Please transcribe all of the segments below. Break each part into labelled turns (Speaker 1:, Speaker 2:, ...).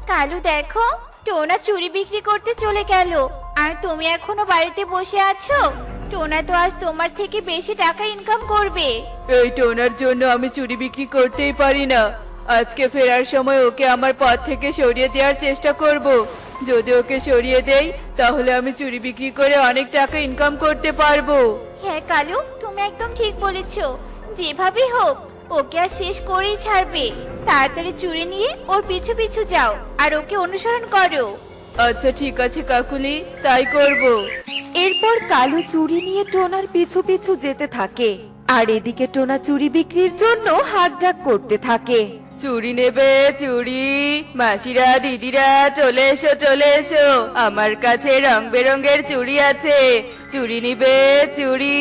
Speaker 1: কালু দেখো, টোনা চুড়ি বিক্রি করতে চলে গেল, আর তুমি এখনো বাড়িতে বসে আছো। টোনা তো আজ তোমার থেকে বেশি টাকা ইনকাম করবে।
Speaker 2: এই টোনার জন্য আমি চুরি বিক্রি করতেই পারি না। আজকে ফেরার সময় ওকে আমার পথ থেকে সরিয়ে দেওয়ার চেষ্টা করব। যদি ওকে সরিয়ে দেই তাহলে আমি চুরি বিক্রি করে অনেক টাকা ইনকাম করতে পারবো।
Speaker 1: হ্যাঁ কালু, তুমি একদম ঠিক বলেছো। যেভাবেই হোক ওকে আর শেষ করেই ছাড়বে। তাড়াতাড়ি চুরি নিয়ে ওর পিছু পিছু যাও আর ওকে অনুসরণ করো।
Speaker 2: আচ্ছা ঠিক আছে কাকুলি, তাই করব।
Speaker 3: এরপর কালু চুড়ি নিয়ে টোনার পিছু পিছু যেতে থাকে, আর এদিকে টোনা চুড়ি বিক্রির জন্য হাঁকডাক করতে থাকে।
Speaker 2: চুড়ি নেবে চুড়ি? মাসিরা দিদিরা চলে এসো চলে এসো, আমার কাছে রং বেরঙের চুড়ি আছে, চুড়ি নিবে চুড়ি?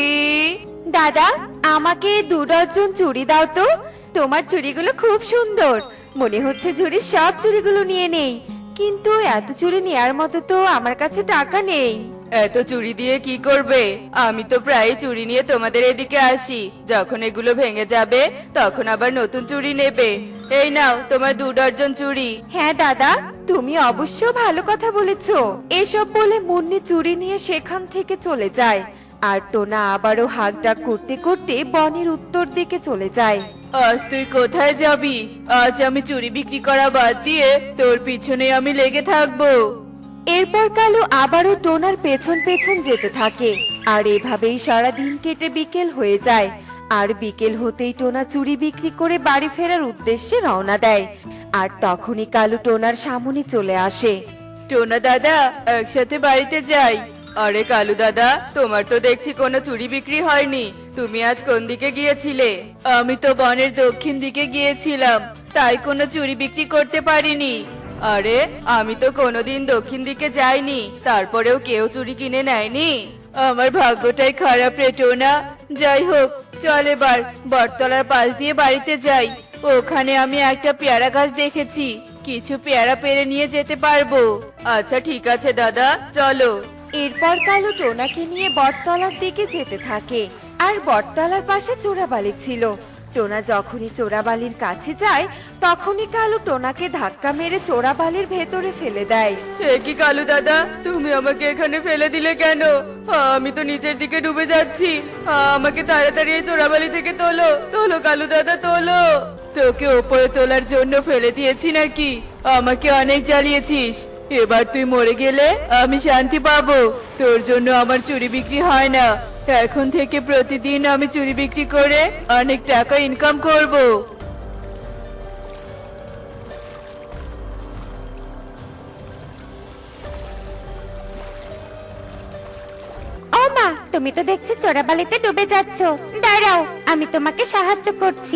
Speaker 3: দাদা, আমাকে 2 ডজন চুড়ি দাও তো। তোমার চুড়িগুলো খুব সুন্দর, মনে হচ্ছে ঝুড়ির সব চুড়িগুলো নিয়ে নেই, কিন্তু এত চুড়ি নেয়ার মতো তো আমার কাছে টাকা নেই।
Speaker 2: এত চুড়ি দিয়ে কি করবে? আমি তো প্রায় চুড়ি নিয়ে তোমাদের এদিকে আসি, যখন এগুলো ভেঙে যাবে তখন আবার নতুন চুড়ি নেবে। এই নাও তোমার 2 ডজন চুড়ি।
Speaker 3: হ্যাঁ দাদা, তুমি অবশ্য ভালো কথা বলেছো। এসব বলে মুন্নি চুড়ি নিয়ে সেখান থেকে চলে যায়, আর টোনা আবারও হাঁকডাক করতে করতে বনের উত্তর দিকে চলে যায়।
Speaker 2: আজ তুই কোথায় যাবি? আজ আমি চুড়ি বিক্রি করা বাদ দিয়ে তোর পিছনে আমি লেগে থাকবো।
Speaker 3: এরপর কালু আবারও টোনার পেছন পেছন যেতে থাকে, আর এভাবেই সারা দিন কেটে বিকেল হয়ে যায়। আর বিকেল হতেই টোনা চুড়ি বিক্রি করে বাড়ি ফেরার উদ্দেশ্যে রওনা দেয়, আর তখনই কালু টোনার সামনে চলে আসে।
Speaker 2: টোনা দাদা, একসাথে বাড়িতে যাই। আরে কালু দাদা, তোমার তো দেখছি কোনো চুড়ি বিক্রি হয়নি, তুমি আজ কোন দিকে গিয়েছিলে? আমি তো বনের দক্ষিণ দিকে গিয়েছিলাম, তাই কোনো চুড়ি বিক্রি করতে পারিনি। আরে আমি তো কোনোদিন দক্ষিণ দিকে যাইনি, তারপরেও কেউ চুড়ি কিনে নেয়নি। আমার ভাগ্যটাই খারাপ রে টোনা। যাই হোক, চল এবার বটতলার পাশ দিয়ে বাড়িতে যাই। ওখানে আমি একটা পেয়ারা গাছ দেখেছি, কিছু পেয়ারা পেরে নিয়ে যেতে পারবো। আচ্ছা ঠিক আছে দাদা, চলো।
Speaker 3: এরপর কালু টোনাকে নিয়ে বটতলার দিকে যেতে থাকে, আর বটতলার পাশে চোরাবালি ছিল। টোনা যখনই চোরাবালির কাছে যায়, তখনই কালু টোনাকে ধাক্কা মেরে চোরাবালির ভেতরে ফেলে দেয়।
Speaker 2: এ কি কালু দাদা, তুমি আমাকে এখানে ফেলে দিলে কেন? আমি তো নিচের দিকে ডুবে যাচ্ছি। আমাকে তাড়াতাড়ি এই চোরাবালি থেকে তোলো, তোলো কালু দাদা তোলো। তোকে ওপরে তোলার জন্য ফেলে দিয়েছি নাকি? আমাকে অনেক জ্বালিয়েছিস, এবার তুই মরে গেলে আমি শান্তি পাবো। তোর জন্য আমার চুরি বিক্রি হয় না, এখন থেকে প্রতিদিন আমি চুরি বিক্রি করে অনেক টাকা ইনকাম করব।
Speaker 1: ও মা, তুমি তো দেখছি চোরাবালিতে ডুবে যাচ্ছ। দাঁড়াও, আমি তোমাকে সাহায্য করছি।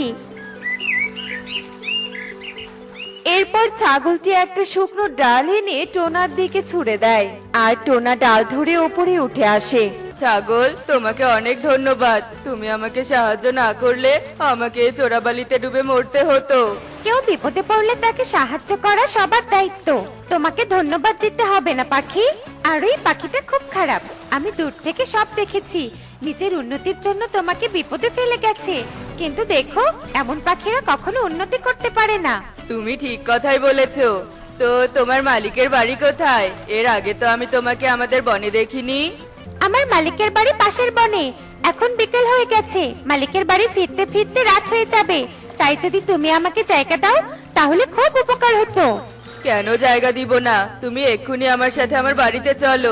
Speaker 3: এরপর ছাগলটি একটা শুকনো ডাল এনে টোনার দিকে ছুঁড়ে দেয়, আর টোনা ডাল ধরে ওপরে উঠে আসে।
Speaker 2: ছাগল, তোমাকে অনেক ধন্যবাদ। তুমি আমাকে সাহায্য না করলে আমাকে এই চোরাবালিতে ডুবে মরতে হতো।
Speaker 1: কেউ বিপদে পড়লে তাকে সাহায্য করা সবার দায়িত্ব। তোমাকে ধন্যবাদ দিতে হবে না পাখি। আর ওই পাখিটা খুব খারাপ, আমি দূর থেকে সব দেখেছি। নিজের উন্নতির জন্য তোমাকে বিপদে ফেলে গেছে, কিন্তু দেখো, এমন পাখিরা কখনো উন্নতি করতে পারে না।
Speaker 2: তুমি ঠিক কথাই বলেছো। তো তোমার মালিকের বাড়ি কোথায়? এর আগে তো আমি তোমাকে আমাদের বনে দেখিনি।
Speaker 1: আমার মালিকের বাড়ি পাশের বনে। এখন বিকেল হয়ে গেছে, মালিকের বাড়ি ফিরতে ফিরতে রাত হয়ে যাবে। তাই যদি তুমি আমাকে জায়গা দাও তাহলে খুব উপকার হতো।
Speaker 2: কেন জায়গা দিব না? তুমি এক্ষুনি আমার সাথে আমার বাড়িতে চলো।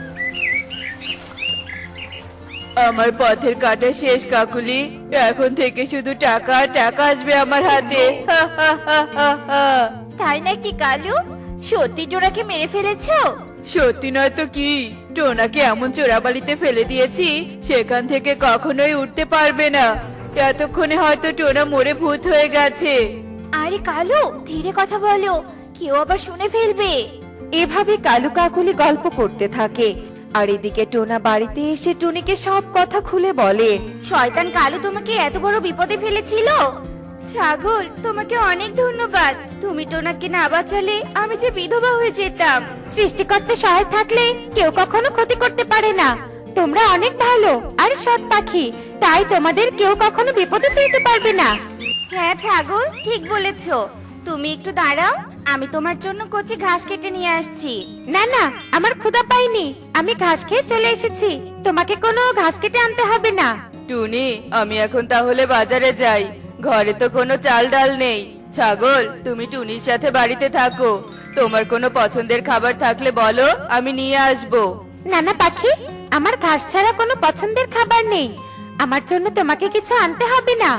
Speaker 2: আমার পথের কাটা শেষ কাকুলি, এখন থেকে শুধু টাকা আর টাকা আসবে আমার হাতে। হা হা হা হা হা।
Speaker 1: তাই নাকি কালু? সত্যি টোনাকে মেরে ফেলেছো?
Speaker 2: সত্যি নয় তো কি, টোনাকে এমন চোরাবালিতে ফেলে দিয়েছি সেখান থেকে কখনোই উঠতে পারবে না। এতক্ষণে হয়তো টোনা মরে ভূত হয়ে গেছে।
Speaker 1: আরে কালু, ধীরে কথা বলো, কেউ আবার শুনে ফেলবে।
Speaker 3: এভাবে কালু কাকুলি গল্প করতে থাকে, আর এদিকে টোনা বাড়িতে এসে টুনিকে সব কথা খুলে বলে।
Speaker 1: শয়তান কালু তোমাকে এত বড় বিপদে ফেলেছিল। ছাগল, তোমাকে অনেক ধন্যবাদ। তুমি টোনাকে না বাঁচালে আমি যে বিধবা হয়ে যেতাম। সৃষ্টিকর্তা সহায় থাকলে কেউ কখনো ক্ষতি করতে পারে না। তোমরা অনেক ভালো আর সৎ পাখি, তাই তোমাদের কেউ কখনো বিপদে ফেলতে পারবে না। হ্যাঁ ছাগল, ঠিক বলেছো। তুমি একটু দাঁড়াও, আমি তোমার জন্য কচি ঘাস কেটে নিয়ে আসছি।
Speaker 3: না না, আমার ক্ষুধা পাইনি, আমি ঘাস খেয়ে চলে এসেছি, তোমাকে কোনো ঘাস কেটে আনতে হবে না।
Speaker 2: টুনি, আমি এখন তাহলে বাজারে যাই, ঘরে তো কোনো চাল ডাল নেই। ছাগল, তুমি টুনির সাথে বাড়িতে থাকো, তোমার কোনো পছন্দের খাবার থাকলে বলো, আমি নিয়ে আসবো।
Speaker 3: নানা পাখি, আমার ঘাস ছাড়া কোনো পছন্দের খাবার নেই, আমার জন্য তোমাকে কিছু আনতে হবে না।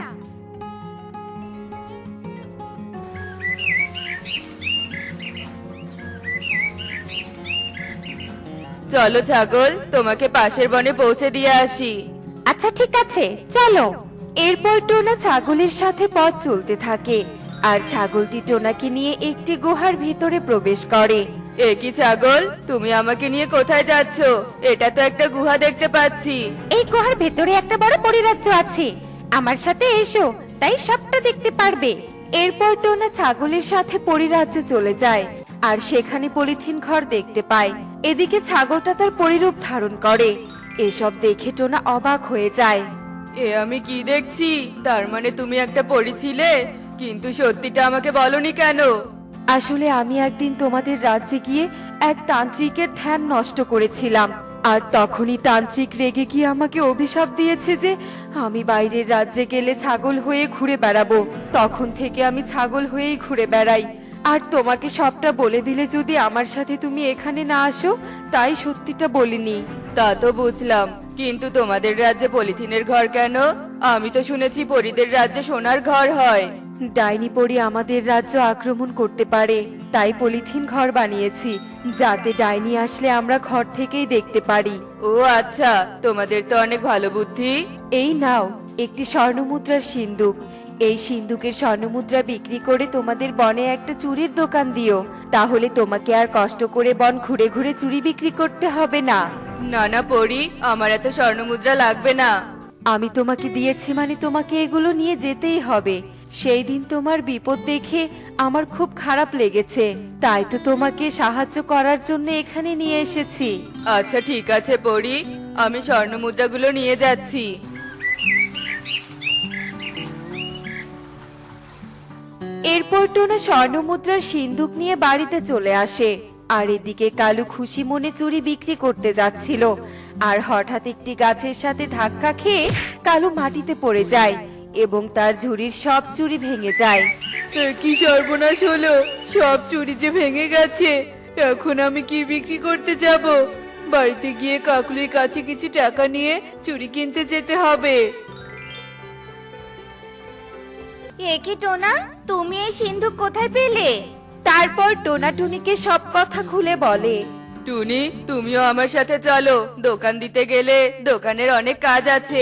Speaker 2: চলো ছাগল, তোমাকে পাশের বনে পৌঁছে দিয়ে আসি।
Speaker 3: আচ্ছা ঠিক আছে, চলো। এরপর টোনা ছাগলের সাথে পথ চলতে থাকে, আর ছাগলটি টোনাকে নিয়ে একটি গুহার ভিতরে প্রবেশ করে।
Speaker 2: এ কি ছাগল, তুমি আমাকে নিয়ে কোথায় যাচ্ছ? এটা তো একটা গুহা দেখতে পাচ্ছি।
Speaker 3: এই গুহার ভেতরে একটা বড় পরিরাজ্য আছে, আমার সাথে এসো, তাই সবটা দেখতে পারবে। এরপর টোনা ছাগলের সাথে পরিরাজ্যে চলে যায়, আর সেখানে পলিথিন ঘর দেখতে পায়। এদিকে ছাগলটা তার পরিরূপ ধারণ করে। এসব দেখে টোনা অবাক হয়ে যায়।
Speaker 2: এ আমি কি দেখছি? তার মানে তুমি একটা পরী ছিলে, কিন্তু সত্যিটা আমাকে বলনি কেন?
Speaker 3: আসলে আমি একদিন তোমাদের রাজ্যে গিয়ে এক তান্ত্রিকের ধ্যান নষ্ট করেছিলাম, আর তখনই তান্ত্রিক রেগে গিয়ে আমাকে অভিশাপ দিয়েছে যে আমি বাইরের রাজ্যে গেলে ছাগল হয়ে ঘুরে বেড়াবো। তখন থেকে আমি ছাগল হয়েই ঘুরে বেড়াই। আর তোমাকে সবটা বলে দিলে যদি আমার সাথে তুমি এখানে না আসো, তাই সত্যিটা বলিনি।
Speaker 2: তা তো বুঝলাম, কিন্তু তোমাদের রাজ্যে পলিথিনের ঘর কেন? আমি তো শুনেছি পরীদের রাজ্যে সোনার ঘর হয়।
Speaker 3: ডাইনি পরি আমাদের রাজ্য আক্রমণ করতে পারে, তাই পলিথিন ঘর বানিয়েছি, যাতে ডাইনি আসলে আমরা ঘর থেকেই দেখতে পারি।
Speaker 2: ও আচ্ছা, তোমাদের তো অনেক ভালো বুদ্ধি।
Speaker 3: এই নাও একটি স্বর্ণমুদ্রার সিন্দুক, এই সিন্দুকের স্বর্ণমুদ্রা বিক্রি করে তোমাদের বনে একটা চুরির দোকান দিও, তাহলে তোমাকে আর কষ্ট করে বন ঘুরে ঘুরে চুরি বিক্রি করতে হবে না।
Speaker 2: না না পরী, আমার এত স্বর্ণমুদ্রা লাগবে না।
Speaker 3: আমি তোমাকে দিয়েছি মানে তোমাকে এগুলো নিয়ে যেতেই হবে। সেই দিন তোমার বিপদ দেখে আমার খুব খারাপ লেগেছে, তাই তো তোমাকে সাহায্য করার জন্য এখানে নিয়ে এসেছি।
Speaker 2: আচ্ছা ঠিক আছে পরী, আমি স্বর্ণমুদ্রাগুলো নিয়ে যাচ্ছি।
Speaker 3: এরপর টোনা স্বর্ণমুদ্রার সিন্দুক নিয়ে বাড়িতে চলে আসে, আর এদিকে কালু খুশি মনে চুরি বিক্রি করতে যাচ্ছিল, আর হঠাৎ একটি গাছের সাথে ধাক্কা খেয়ে কালু মাটিতে পড়ে যায় এবং তার ঝুড়ির সব চুরি ভেঙে যায়।
Speaker 2: এ কি সর্বনাশ হলো, সব চুরি যে ভেঙে গেছে। এখন আমি কি বিক্রি করতে যাব? বাড়িতে গিয়ে কাকুলির কাছে কিছু টাকা নিয়ে চুরি কিনতে যেতে হবে।
Speaker 1: এ কি টোনা, তুমি এই সিন্ধুক কোথায় পেলে?
Speaker 3: তারপর টোনা টুনিকে সব কথা খুলে বলে।
Speaker 2: টুনি, তুমিও আমার সাথে চলো, দোকান দিতে গেলে দোকানের অনেক কাজ আছে।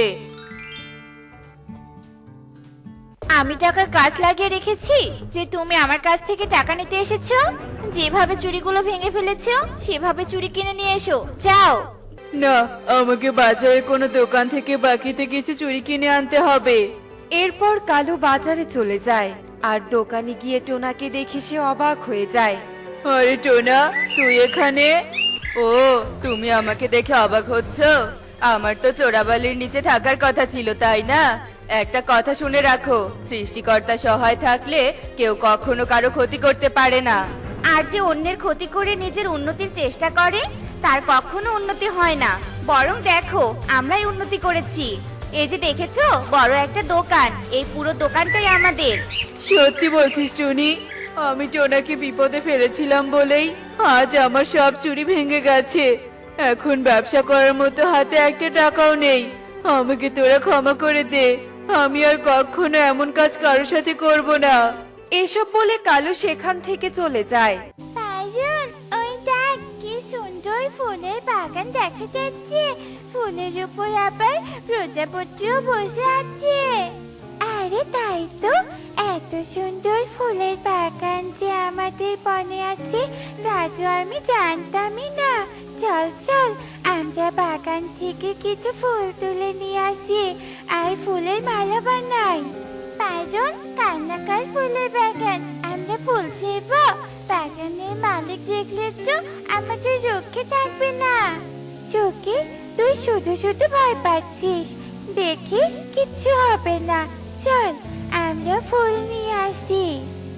Speaker 1: আমি টাকার কাজ লাগিয়ে রেখেছি যে তুমি আমার কাছ থেকে টাকা নিতে এসেছো? যেভাবে চুরিগুলো ভেঙে ফেলেছো সেভাবে চুরি কিনে নিয়ে এসো, যাও।
Speaker 2: না, আমাকে বাজারের কোনো দোকান থেকে বাকিতে কিছু চুরি কিনে আনতে হবে।
Speaker 3: এরপর কালু বাজারে চলে যায়, আর দোকানে গিয়ে টোনাকে দেখে সে অবাক হয়ে যায়।
Speaker 2: আরে টোনা, তুই এখানে? ও, তুমি আমাকে দেখে অবাক হচ্ছ? আমার তো চোরাবালির নিচে থাকার কথা ছিল, তাই না? একটা কথা শুনে রাখো, সৃষ্টিকর্তা সহায় থাকলে কেউ কখনো কারো ক্ষতি করতে পারে না।
Speaker 1: আর যে অন্যের ক্ষতি করে নিজের উন্নতির চেষ্টা করে তার কখনো উন্নতি হয় না, বরং দেখো আমরাই উন্নতি করেছি। এই যে দেখেছো বড় একটা দোকান, এই পুরো দোকানটাই আমাদের।
Speaker 2: সত্যি বলছিস টুনি? আমি টোনাকে বিপদে ফেলেছিলাম বলেই আজ আমার সব চুরি ভেঙে গেছে। এখন ব্যবসা করার মতো হাতে একটা টাকাও নেই। আমাকে তোরা ক্ষমা করে দে, আমি আর কখনো এমন কাজ কারোর সাথে করব না।
Speaker 3: এসব বলে কালু সেখান থেকে চলে যায়।
Speaker 1: পাইজন, ওই দেখ কি সুন্দর ফুলের বাগান দেখা যাচ্ছে, ফুলের উপর আবার প্রজাপতিও বসে আছে। আরে তাই তো, এত সুন্দর ফুলের বাগান যে আমাদের বনে আছে তা তো আমি জানতামই না। চল চল, আমরা বাগান থেকে কিছু ফুল তুলে নিয়ে আসি আর ফুলের মালা বানাই। পাইজন, কান্নাকার ফুলের বাগান, আমরা ফুল ছিড়ব। বাগানের মালিক দেখলে তো আমাদের রক্ষে থাকবে না। চোখে তুই শুধু শুধু ভয় পাচ্ছিস, দেখিস কিচ্ছু হবে না। চল আমরা ফুল নিয়ে আসি। আচ্ছা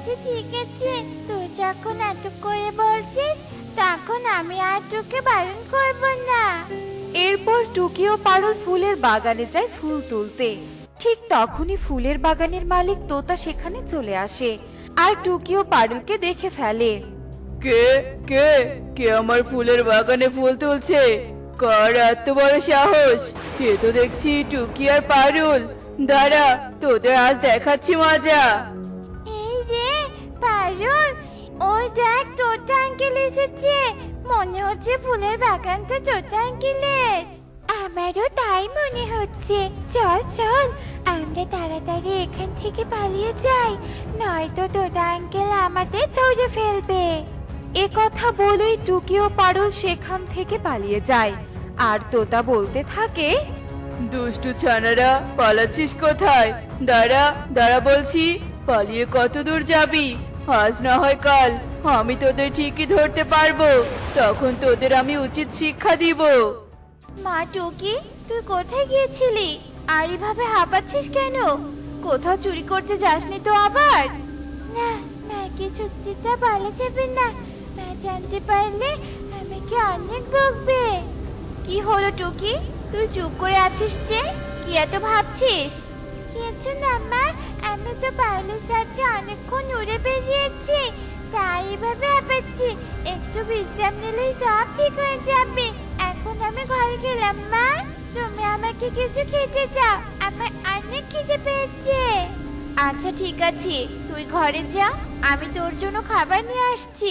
Speaker 1: আচ্ছা ঠিক আছে, তুই যখন এত করে বলছিস তখন আমি আর তোকে বারণ করব না।
Speaker 3: এরপর টুকি ও পারুল ফুলের বাগানে যায় ফুল তুলতে। ঠিক তখনই ফুলের বাগানের মালিক তোতা সেখানে চলে আসে আর টুকি ও পারুলকে দেখে ফেলে।
Speaker 2: কে কে কে আমার ফুলের বাগানে ফুল তুলছে? কার এত বড় সাহস? কে তো দেখছি টুকি আর পারুল। দাঁড়া, তোদের আজ দেখাচ্ছি মজা।
Speaker 1: এই যে পারুল, ওই দেখ তোতা আঙ্কেল এসেছে। মনে হচ্ছে ফুলের বাগানটা তোতা আঙ্কেলের। আমারও তাই মনে হচ্ছে। চল চল, আমরা তাড়াতাড়ি এখান থেকে পালিয়ে যাই, নয়তো তোতা আঙ্কেল আমাদের ধরে ফেলবে।
Speaker 3: এ কথা বলেই টুকি ও পারুল সেখান থেকে পালিয়ে যায় আর তোতা বলতে থাকে,
Speaker 2: দুষ্টু ছানারা, পালাচ্ছিস কোথায়? দাঁড়া দাঁড়া বলছি, পালিয়ে কত দূর যাবি? আজ না হয় কাল আমি তোদের ঠিকই ধরতে পারবো, তখন তোদের আমি উচিত শিক্ষা দিব।
Speaker 1: মা টুকি, তুই কোথায় গিয়েছিলি? আর এভাবে হাঁপাচ্ছিস কেন? কোথাও চুরি করতে যাসনি তো আবার? না, মাকে চুক্তিটা বলা যাবে না। মা জানতে পারলে আমাকে অনেক বকবে। কি হলো টুকি, তুই চুপ করে আছিস যে? কি এত ভাবছিস? কিছু না মা, আমি তো পারুলের সাথে অনেকক্ষণ উড়ে বেরিয়েছি, তাই এভাবে হাঁপাচ্ছি। একটু বিশ্রাম নিলেই সব ঠিক হয়ে যাবে। এখন আমি ঘরে গেলাম। মা, তুমি আমাকে কিছু খেতে দাও, আমার অনেক খিদে পেয়েছে। আচ্ছা ঠিক আছে, তুই ঘরে যা, আমি তোর জন্য খাবার নিয়ে আসছি।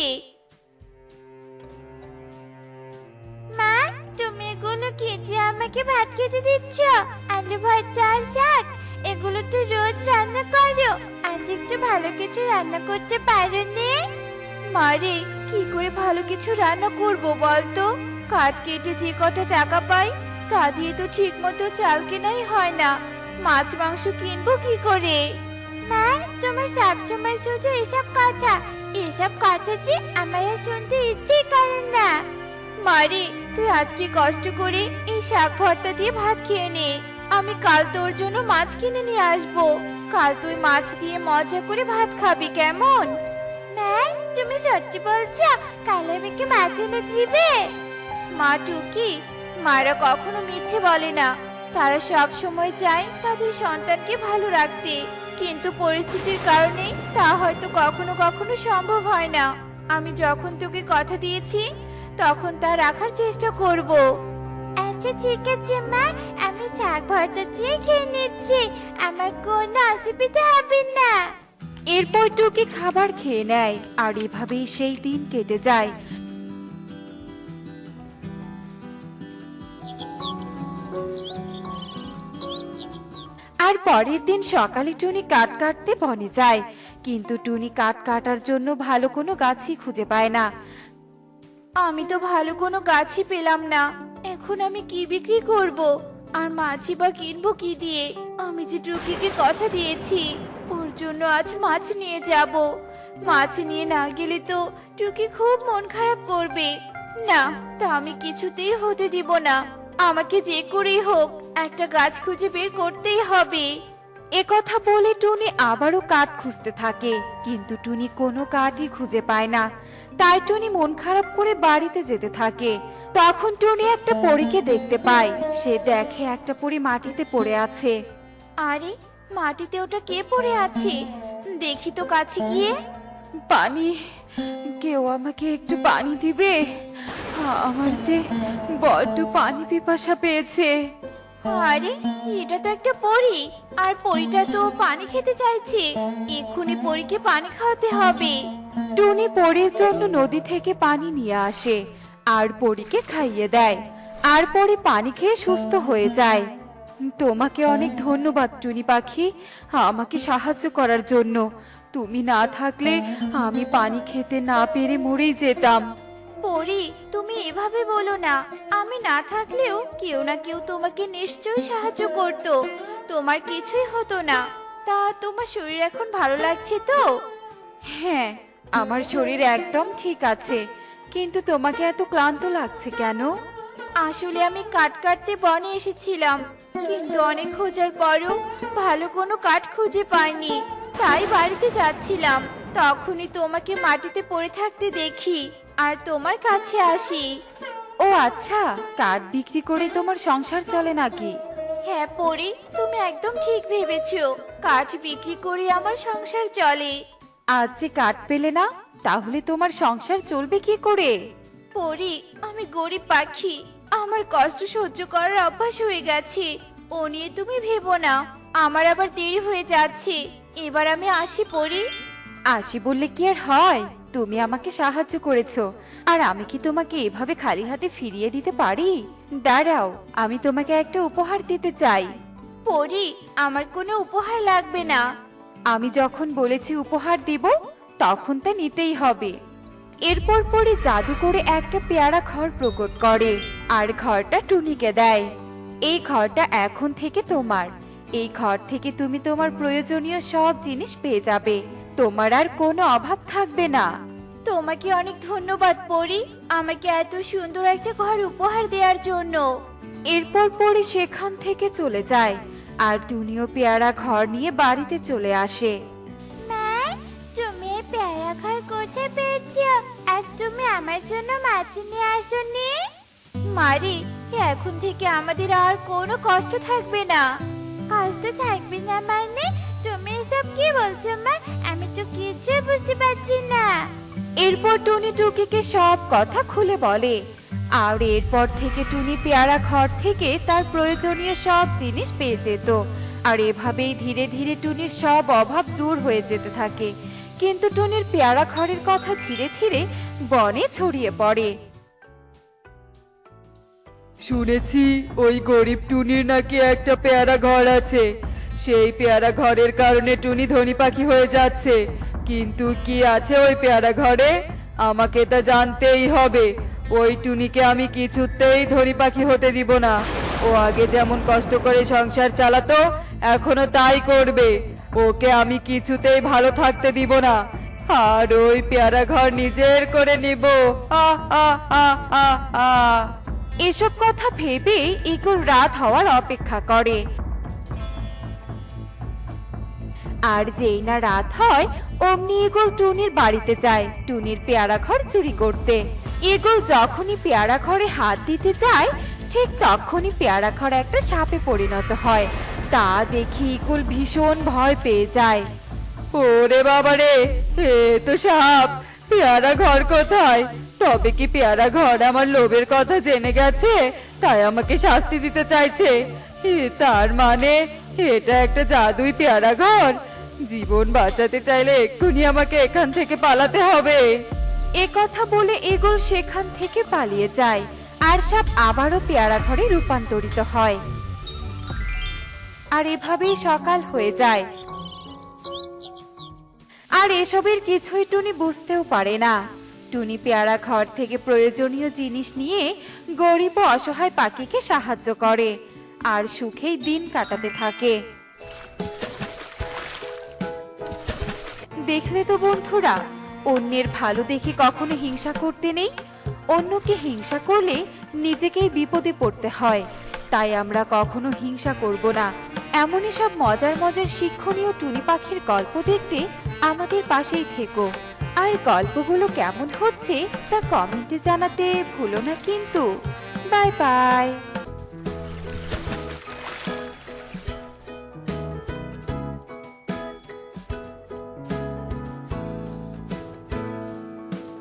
Speaker 1: মা, তুমি এগুলো খেতে আমাকে ভাত খেতে দিচ্ছ? আলু ভর্তা আর শাক, এগুলো তো রোজ রান্না করো, আজ একটু ভালো কিছু রান্না করতে পারোনি? মারে, কি করে ভালো কিছু রান্না করব বলতো? কাঠ কেটে যে কটা টাকা পাই তা দিয়ে তো ঠিক মতো চাল কেনাই হয় না, মাছ মাংস কিনবো কি করে? মা, তোমার সবসময় শুধু এসব কথা যে আমার আর শুনতে ইচ্ছে করে না। মারে, তুই আজকে কষ্ট করে এই শাক ভর্তা দিয়ে ভাত খেয়ে নে, আমি কাল তোর জন্য মাছ কিনে নিয়ে আসবো। কাল তুই মাছ দিয়ে মজা করে ভাত খাবি, কেমন? মা, তুমি সত্যি বলছো? কাল আমাকে মাছ এনে দিবে? মা টুকি, মারা কখনো মিথ্যে বলে না। তারা সব সময় চায় তাদের সন্তানকে ভালো রাখতে, কিন্তু পরিস্থিতির কারণে তা হয়তো কখনো কখনো সম্ভব হয় না। আমি যখন তোকে কথা দিয়েছি তখন তা রাখার চেষ্টা করব। আচ্ছা ঠিক আছে মা, আমি শাক ভর্তা দিয়ে খেয়ে নিচ্ছি, আমার কোনো অসুবিধা হবে না।
Speaker 3: এরপর টুকি খাবার খেয়ে নেয় আর এভাবেই সেই দিন কেটে যায়। আর পরের দিন সকালে টুনি কাঠ কাটতে বনে যায়, কিন্তু টুনি কাঠ কাটার জন্য ভালো কোনো গাছই খুঁজে পায় না।
Speaker 1: আমি তো ভালো কোনো গাছই পেলাম না, এখন আমি কি বিক্রি করব? আর মাছই বা কিনবো কি দিয়ে? আমি যে টুকিকে কথা দিয়েছি ওর জন্য আজ মাছ নিয়ে যাব। মাছ নিয়ে না গেলে তো টুকি খুব মন খারাপ করবে। না, তা আমি কিছুতেই হতে দিব না। আমাকে যে করেই হোক একটা গাছ খুঁজে বের করতেই হবে।
Speaker 3: এ কথা বলে টুনি আবারও কাঠ খুঁজতে থাকে, কিন্তু টুনি কোনো কাঠই খুঁজে পায় না। তাই টুনি মন খারাপ করে বাড়িতে যেতে থাকে। তখন টুনি একটা পরীকে দেখতে পায়। সে দেখে একটা পরী মাটিতে পড়ে আছে।
Speaker 1: আরে, মাটিতে ওটা কে পড়ে আছে? দেখি তো কাছে গিয়ে।
Speaker 3: পানি, কেউ আমাকে একটু পানি দিবে? আমার যে বড্ড পানি পিপাসা পেয়েছে।
Speaker 1: আরে, এটা তো একটা পরী, আর পরীটা তো পানি খেতে চাইছে। এক্ষুনি পরীকে পানি খাওয়াতে হবে।
Speaker 3: টুনি পরীর জন্য নদী থেকে পানি নিয়ে আসে আর পরীকে খাইয়ে দেয়, আর পরী পানি খেয়ে সুস্থ হয়ে যায়। তোমাকে অনেক ধন্যবাদ টুনি পাখি, আমাকে সাহায্য করার জন্য। তুমি না থাকলে আমি পানি খেতে না পেরে মরেই যেতাম।
Speaker 1: পরী, তুমি এভাবে বলো না। আমি না থাকলেও কেউ না কেউ তোমাকে নিশ্চয়ই সাহায্য করত, তোমার কিছুই হতো না। তা তোমার শরীর এখন ভালো লাগছে তো?
Speaker 3: হ্যাঁ, আমার শরীর একদম ঠিক আছে, কিন্তু তোমাকে এত ক্লান্ত লাগছে কেন?
Speaker 1: আসলে আমি কাঠ কাটতে বনে এসেছিলাম, কিন্তু অনেক খোঁজার পরও ভালো কোনো কাঠ খুঁজে পাইনি, তাই বাড়িতে যাচ্ছিলাম। তখনই তোমাকে মাটিতে পড়ে থাকতে দেখি আর তোমার কাছে আসি।
Speaker 3: ও আচ্ছা, কাঠ বিক্রি করে তোমার সংসার চলে নাকি?
Speaker 1: হ্যাঁ পরি, তুমি একদম ঠিক ভেবেছো, কাঠ বিক্রি করে আমার সংসার চলে।
Speaker 3: আজ যে কাঠ পেলে না, তাহলে তোমার সংসার চলবে কি করে?
Speaker 1: পরি, আমি গরিব পাখি, আমার কষ্ট সহ্য করার অভ্যাস হয়ে গেছে। ও নিয়ে তুমি ভেবো না, আমার আবার দেরি হয়ে যাচ্ছে। এবার আমি আসি পরি।
Speaker 3: আসি বললে কি আর হয়? তুমি আমাকে সাহায্য করেছো, আর আমি কি তোমাকে এভাবে খালি হাতে ফিরিয়ে দিতে পারি? দাঁড়াও, আমি তোমাকে একটা উপহার দিতে চাই।
Speaker 1: পরি, আমার কোনো উপহার লাগবে না।
Speaker 3: আমি যখন বলেছি উপহার দিব, তখন তা নিতেই হবে। এরপর পরে জাদু করে একটা পেয়ারা ঘর প্রকট করে, আর ঘরটা টুনিকে দেয়। এই ঘরটা এখন থেকে তোমার। এই ঘর থেকে তুমি তোমার প্রয়োজনীয় সব জিনিস পেয়ে যাবে। তোমার আর কোনো অভাব থাকবে না।
Speaker 1: তোমাকে অনেক ধন্যবাদ পরি, আমাকে এত সুন্দর একটা ঘর উপহার দেওয়ার জন্য।
Speaker 3: এরপর পরে সেখান থেকে চলে যায়, আর টুনিও পেয়ারা ঘর নিয়ে বাড়িতে চলে আসে।
Speaker 1: মা, তুমি এই পেয়ারা ঘর কোথায় পেয়েছো? আর তুমি আমার জন্য মাছ নিয়ে আসোনি? মারি, এখন থেকে আমাদের আর কোনো কষ্ট থাকবে না। কষ্ট থাকবে না মানে? তুমি এসব কি বলছো মা? আমি তো কিছুই বুঝতে পারছি না।
Speaker 3: এরপর টুনি টুকিকে সব কথা খুলে বলে, আর এরপর থেকে টুনি পেয়ারা ঘর থেকে তার প্রয়োজনীয় সব জিনিস পেয়ে যেত। আর এভাবেই ধীরে ধীরে টুনির সব অভাব দূর হয়ে যেতে থাকে। কিন্তু টুনির পেয়ারা ঘরের কথা ধীরে ধীরে বনে ছড়িয়ে পড়ে।
Speaker 2: শুনেছি ওই গরিব টুনির নাকি একটা পেয়ারা ঘর আছে। সেই পেয়ারা ঘরের কারণে টুনি ধনী পাখি হয়ে যাচ্ছে। কিন্তু কি আছে ওই পেয়ারা ঘরে? আমাকে তা জানতেই হবে। ওই টুনিকে আমি কিছুতেই ধনী পাখি হতে দিব না। ও আগে যেমন কষ্ট করে সংসার চালাতো, এখনো তাই করবে। ওকে আমি কিছুতেই ভালো থাকতে দিব না, আর ওই পেয়ারা ঘর নিজের করে নিব। আ আ আ আ আ
Speaker 3: এসব কথা ভেবে ইগল রাত হওয়ার অপেক্ষা করে। আর যেই না রাত হয়, অমনি ইগল টুনির বাড়িতে যায় টুনির পেয়ারা ঘর চুরি করতে। ইগল যখনই পেয়ারা ঘরে হাত দিতে যায়, ঠিক তখনই পেয়ারা ঘর একটা সাপে পরিণত হয়। তা দেখি ইগল ভীষণ ভয় পেয়ে যায়।
Speaker 2: ওরে বাবারে, এ তো সাপ! পেয়ারা ঘর কোথায়? তবে কি পেয়ারা ঘর আমার লোভের কথা জেনে গেছে, তাই আমাকে শাস্তি দিতে চাইছে? তার মানে এটা একটা জাদুই পেয়ারা ঘর। জীবন বাঁচাতে চাইলে এক্ষুনি আমাকে এখান থেকে পালাতে হবে।
Speaker 3: এ কথা বলে ইগল সেখান থেকে পালিয়ে যায়, আর সাপ আবারও পেয়ারা ঘরে রূপান্তরিত হয়। আর এভাবেই সকাল হয়ে যায়। আর এসবের কিছুই টুনি বুঝতেও পারে না। টুনি পেয়ারা ঘর থেকে প্রয়োজনীয় জিনিস নিয়ে গরিব ও অসহায় পাখিকে সাহায্য করে, আর সুখেই দিন কাটাতে থাকে। দেখলে তো বন্ধুরা, অন্যের ভালো দেখে কখনো হিংসা করতে নেই। অন্যকে হিংসা করলে নিজেকেই বিপদে পড়তে হয়। তাই আমরা কখনো হিংসা করব না। এমনই সব মজার মজার শিক্ষণীয় টুনি পাখির গল্প দেখতে আমাদের পাশেই থেকো। আর গল্পগুলো কেমন হচ্ছে তা কমেন্টে জানাতে ভুলো না কিন্তু। Bye by.